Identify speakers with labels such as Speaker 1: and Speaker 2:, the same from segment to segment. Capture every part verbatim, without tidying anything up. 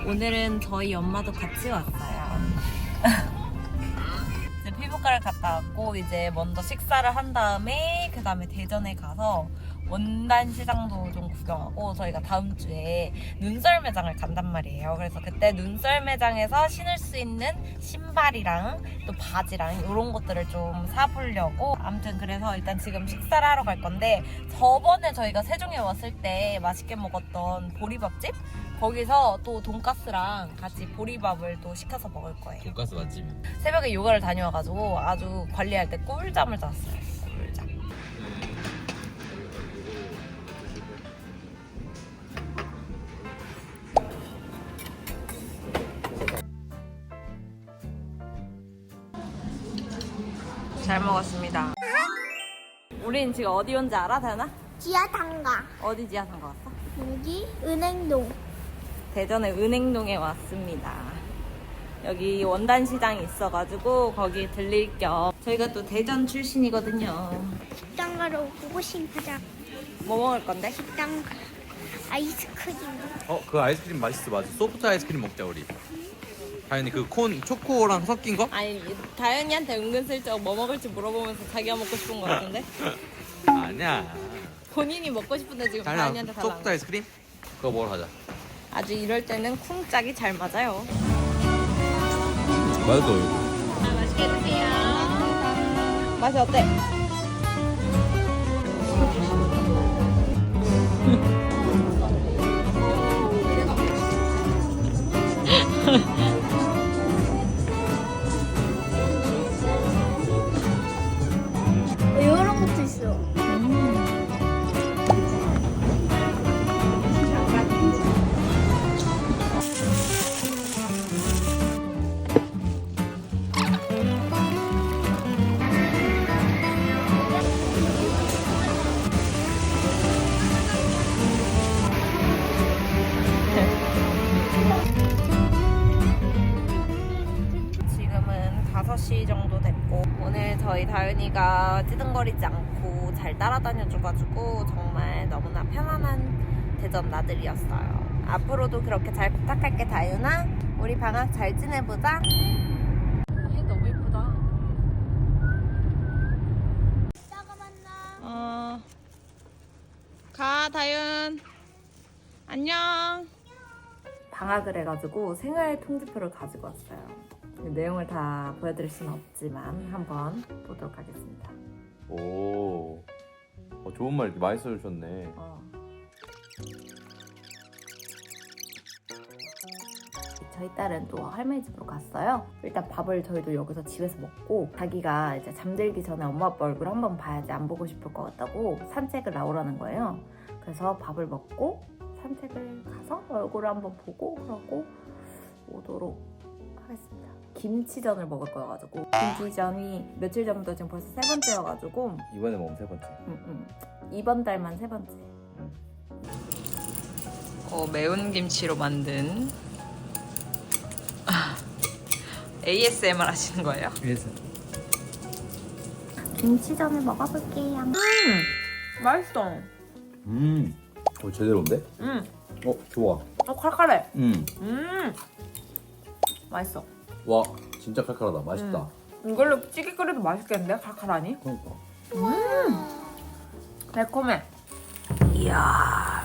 Speaker 1: 오늘은 저희 엄마도 같이 왔어요. 이제 피부과를 갔다 왔고 이제 먼저 식사를 한 다음에 그 다음에 대전에 가서 원단 시장도 좀 구경하고 저희가 다음 주에 눈썰 매장을 간단 말이에요. 그래서 그때 눈썰 매장에서 신을 수 있는 신발이랑 또 바지랑 이런 것들을 좀 사보려고. 아무튼 그래서 일단 지금 식사를 하러 갈 건데, 저번에 저희가 세종에 왔을 때 맛있게 먹었던 보리밥집? 거기서 또 돈가스랑 같이 보리밥을 또 시켜서 먹을 거예요.
Speaker 2: 돈가스 맛집.
Speaker 1: 새벽에 요가를 다녀와가지고 아주 관리할 때 꿀잠을 잤어요. 꿀잠. 잘 먹었습니다. 우린 지금 어디 온지 알아, 다현아?
Speaker 3: 지하상가.
Speaker 1: 어디 지하상가 왔어?
Speaker 3: 여기 은행동.
Speaker 1: 대전의 은행동에 왔습니다. 여기 원단 시장이 있어가지고 거기 들릴 겸. 저희가 또 대전 출신이거든요.
Speaker 3: 식당 가러 고고싱 하자.
Speaker 1: 뭐 먹을 건데?
Speaker 3: 식당 가. 아이스크림.
Speaker 2: 어, 그 아이스크림 맛있어. 맞아. 소프트 아이스크림 먹자 우리. 다현이 그 콘 초코랑 섞인 거?
Speaker 1: 아니, 다현이한테 은근슬쩍 뭐 먹을지 물어보면서 자기가 먹고 싶은 거 같은데?
Speaker 2: 아니야.
Speaker 1: 본인이 먹고 싶은데 지금
Speaker 2: 다현아,
Speaker 1: 다현이한테 달라고.
Speaker 2: 소프트 아이스크림? 그거 먹으러 가자.
Speaker 1: 아주 이럴 때는 쿵짝이 잘 맞아요.
Speaker 2: 맛있어.
Speaker 1: 아, 맛있게 드세요. 맛이 어때?
Speaker 3: 이런 것도 있어.
Speaker 1: 지금은 다섯 시 정도 됐고, 오늘 저희 다현이가 찌든거리지 않고 잘 따라다녀줘가지고 정말 너무나 편안한 대전 나들이었어요. 앞으로도 그렇게 잘 부탁할게, 다윤아. 우리 방학 잘 지내보자. 얘 너무 예쁘다.
Speaker 3: 이따가 만나.
Speaker 1: 어, 가, 다윤. 안녕. 방학을 해가지고 생활 통지표를 가지고 왔어요. 내용을 다 보여드릴 수는 없지만 한번 보도록 하겠습니다.
Speaker 2: 오. 어, 좋은 말 이렇게 많이 써주셨네.
Speaker 1: 어. 저희 딸은 또 할머니 집으로 갔어요. 일단 밥을 저희도 여기서 집에서 먹고, 자기가 이제 잠들기 전에 엄마 아빠 얼굴 한번 봐야지 안 보고 싶을 것 같다고 산책을 나오라는 거예요. 그래서 밥을 먹고 산책을 가서 얼굴을 한번 보고 그러고 오도록 하겠습니다. 김치전을 먹을 거여가지고, 김치전이 며칠 전부터 지금 벌써 세 번째여가지고
Speaker 2: 이번에 먹으면 세 번째.
Speaker 1: 음, 음. 이번 달만 세 번째. 어, 매운 김치로 만든 에이에스엠알 하시는 거예요?
Speaker 2: 그래서.
Speaker 3: 김치전을 먹어볼게요.
Speaker 1: 음, 맛있어.
Speaker 2: 음. 어, 제대로인데?
Speaker 1: 음,
Speaker 2: 어, 좋아.
Speaker 1: 어, 칼칼해.
Speaker 2: 음.
Speaker 1: 음, 맛있어.
Speaker 2: 와, 진짜 칼칼하다. 맛있다.
Speaker 1: 이걸로 찌개 끓여도 맛있겠는데? 칼칼하니?
Speaker 2: 그러니까.
Speaker 1: 달콤해. 이야.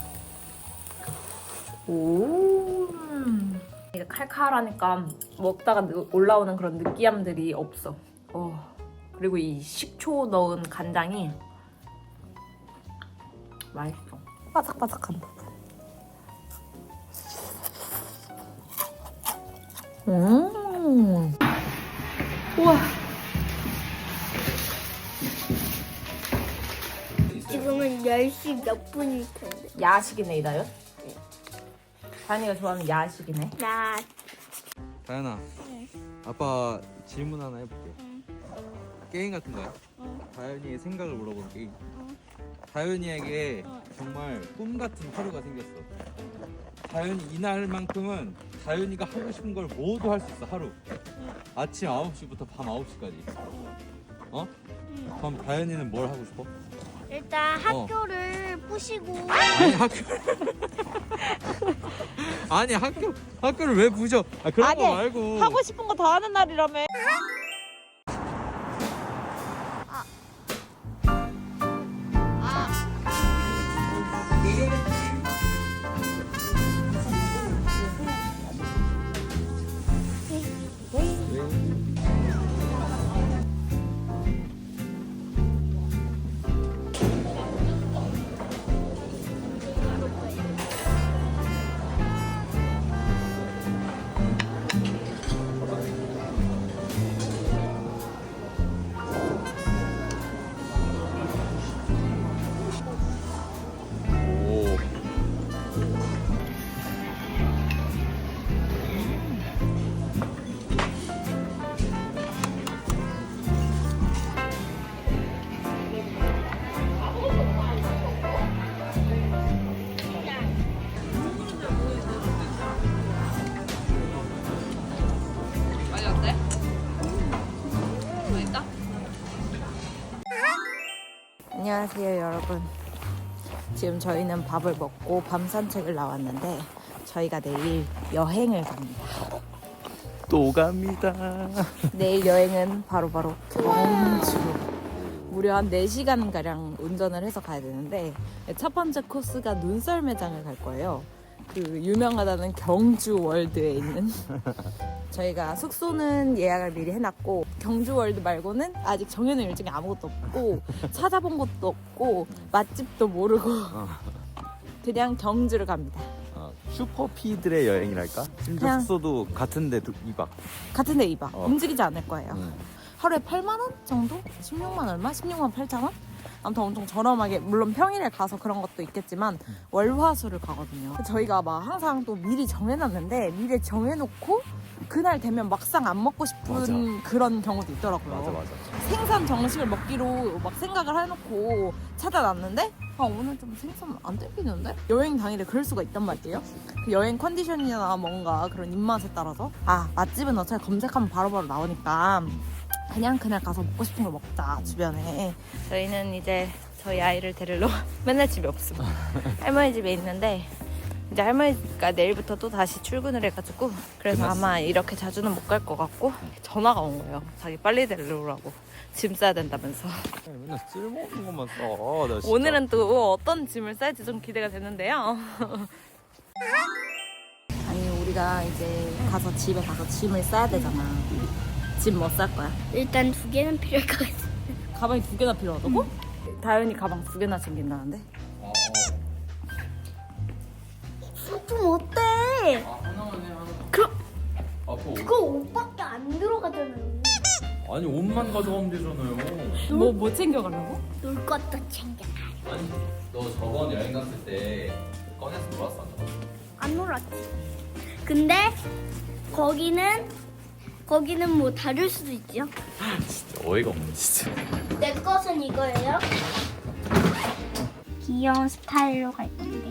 Speaker 1: 오. 이게 칼칼하니까 먹다가 올라오는 그런 느끼함들이 없어. 어. 그리고 이 식초 넣은 간장이 맛있어. 바삭바삭한 부분. 음. 우와.
Speaker 3: 지금은 열 시 몇 분일 텐데.
Speaker 1: 야식이네, 이다요? 다현이가 좋아하는 야식이네.
Speaker 3: 나
Speaker 2: 다현아.
Speaker 3: 응.
Speaker 2: 아빠 질문 하나 해볼게.
Speaker 3: 응.
Speaker 2: 게임 같은 거야?
Speaker 3: 응.
Speaker 2: 다현이의 생각을 물어보는 게임.
Speaker 3: 응.
Speaker 2: 다현이에게
Speaker 3: 응.
Speaker 2: 정말 꿈 같은 하루가 생겼어. 다현이 이날만큼은 다현이가 하고 싶은 걸 모두 할 수 있어. 하루. 아침 아홉 시부터 밤 아홉 시까지. 어? 그럼 다현이는 뭘 하고 싶어?
Speaker 3: 일단
Speaker 2: 어.
Speaker 3: 학교를 부시고
Speaker 2: 아니 학교 아니 학교 학교를 왜 부셔? 아 그런
Speaker 1: 아니,
Speaker 2: 거 말고
Speaker 1: 하고 싶은 거 다 하는 날이라며.
Speaker 2: 오.
Speaker 1: 맛이 어때? 맛있다? 안녕하세요 여러분. 지금 저희는 밥을 먹고 밤 산책을 나왔는데 저희가 내일 여행을 갑니다.
Speaker 2: 또 갑니다.
Speaker 1: 내일 여행은 바로바로 경주. 무려 한 네 시간가량 운전을 해서 가야 되는데 첫 번째 코스가 눈썰 매장을 갈 거예요. 그 유명하다는 경주 월드에 있는 저희가 숙소는 예약을 미리 해놨고 경주 월드 말고는 아직 정해놓은 일정이 아무것도 없고 찾아본 것도 없고 맛집도 모르고 그냥 경주를 갑니다.
Speaker 4: 어, 슈퍼피들의 여행이랄까? 심지어
Speaker 1: 그냥-
Speaker 4: 숙소도 같은데 이 박.
Speaker 1: 같은데 이 박
Speaker 4: 어.
Speaker 1: 움직이지 않을 거예요.
Speaker 4: 응.
Speaker 1: 하루에 팔만 원 정도? 십육만 얼마? 십육만 팔천 원? 아무튼 엄청 저렴하게, 물론 평일에 가서 그런 것도 있겠지만 월화수를 가거든요. 저희가 막 항상 또 미리 정해놨는데 미리 정해놓고 그날 되면 막상 안 먹고 싶은
Speaker 4: 맞아.
Speaker 1: 그런 경우도 있더라고요.
Speaker 4: 맞아 맞아.
Speaker 1: 생선 정식을 먹기로 막 생각을 해놓고 찾아놨는데 아 오늘 좀 생선 안 땡기는데? 여행 당일에 그럴 수가 있단 말이에요. 그 여행 컨디션이나 뭔가 그런 입맛에 따라서 아 맛집은 어차피 검색하면 바로바로 나오니까 그냥 그날 가서 먹고 싶은 걸 먹자 주변에. 저희는 이제 저희 아이를 데리러 맨날 집에 없습니다. 할머니 집에 있는데 이제 할머니가 내일부터 또 다시 출근을 해가지고 그래서
Speaker 4: 끝났어.
Speaker 1: 아마 이렇게 자주는 못 갈 것 같고 전화가 온 거예요. 자기 빨리 데리러 오라고. 짐 싸야 된다면서.
Speaker 4: 맨날 쓸모없는 것만 써. 나 진짜.
Speaker 1: 오늘은 또 어떤 짐을 쌀지 좀 기대가 되는데요. 아니 우리가 이제 가서 집에 가서 짐을 싸야 되잖아. 짐 뭐 쌀 거야?
Speaker 3: 일단 두 개는 필요할 것 같아.
Speaker 1: 가방이 두 개나 필요하다고? 다현이 가방 두 개나 챙긴다는데?
Speaker 3: 좀 어때?
Speaker 2: 아 하나만 해 하나.
Speaker 3: 그럼
Speaker 2: 아 그거
Speaker 3: 그거 옷밖에 안 들어가잖아요.
Speaker 2: 아니 옷만 가져가면 되잖아요.
Speaker 1: 뭐, 뭐 챙겨가려고?
Speaker 3: 놀 것도 챙겨.
Speaker 2: 아니 너 저번 여행 갔을 때 꺼내서 놀았어 안 놀았어?
Speaker 3: 안 놀았지. 근데 거기는 거기는 뭐 다를 수도 있죠.
Speaker 4: 진짜 어이가 없네 진짜.
Speaker 3: 내 것은 이거예요. 귀여운 스타일로 갈 건데.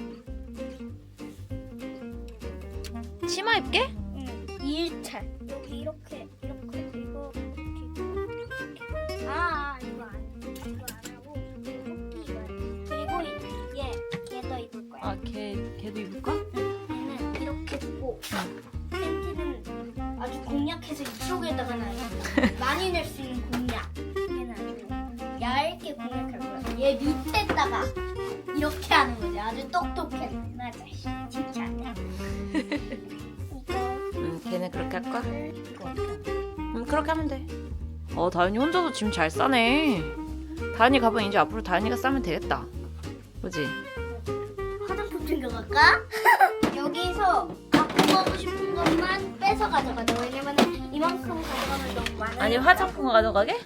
Speaker 1: 치마 입게?
Speaker 3: 응. 이 일차. 여기 이렇게 이렇게 이거 이렇게. 아, 아 이거 안 이거 안 하고 그리고 이거 그리고 얘 얘도 입을 거야.
Speaker 1: 아, 걔, 걔도 입을까?
Speaker 3: 얘는 이렇게 두고 팬티는 아주 공략해서 이쪽에다가 놔요. 많이 낼 수 있는 공략. 얘는 아주 얇게 공략할 거야. 얘 밑에다가 이렇게 하는 거지. 아주 똑똑해. 나 자식 진짜 안 돼. 이거
Speaker 1: 응, 걔는 그렇게 할까? 응, 그렇게 하면 돼. 어, 다현이 혼자서 짐 잘 싸네. 다현이 가방 이제 앞으로 다현이가 싸면 되겠다. 그지?
Speaker 3: 화장품 챙겨갈까? 여기서 갖고 가고 싶은 것만 빼서 가져가자. 왜냐면 이만큼 가져가면 너무 많아.
Speaker 1: 아니, 화장품 가져가게?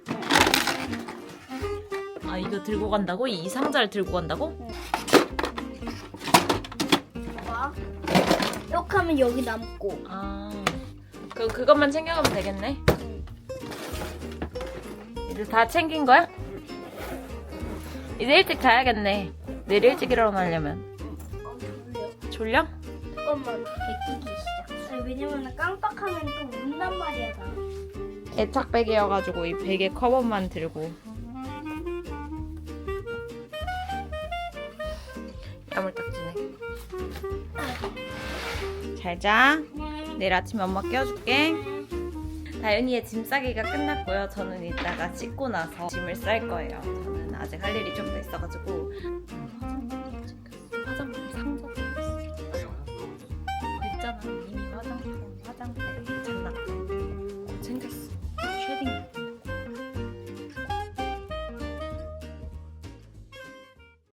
Speaker 1: 아, 이거 들고 간다고? 이 상자를 들고 간다고?
Speaker 3: 봐. 이렇게 하면 여기 남고.
Speaker 1: 아, 그, 그것만 챙겨가면 되겠네. 이제 다 챙긴 거야? 이제 일찍 자야겠네. 내일 일찍 일어나려면.
Speaker 3: 어, 졸려.
Speaker 1: 졸려?
Speaker 3: 잠깐만 베끼기 시작. 아니, 왜냐면 깜빡하면 또 운단 말이야 나.
Speaker 1: 애착백이어가지고 이 베개 커버만 들고. 야물딱지네. 잘자. 내일 아침에 엄마 깨워줄게. 다윤이의 짐 싸기가 끝났고요. 저는 이따가 씻고 나서 짐을 쌀 거예요. 저는 아직 할 일이 좀 더 있어가지고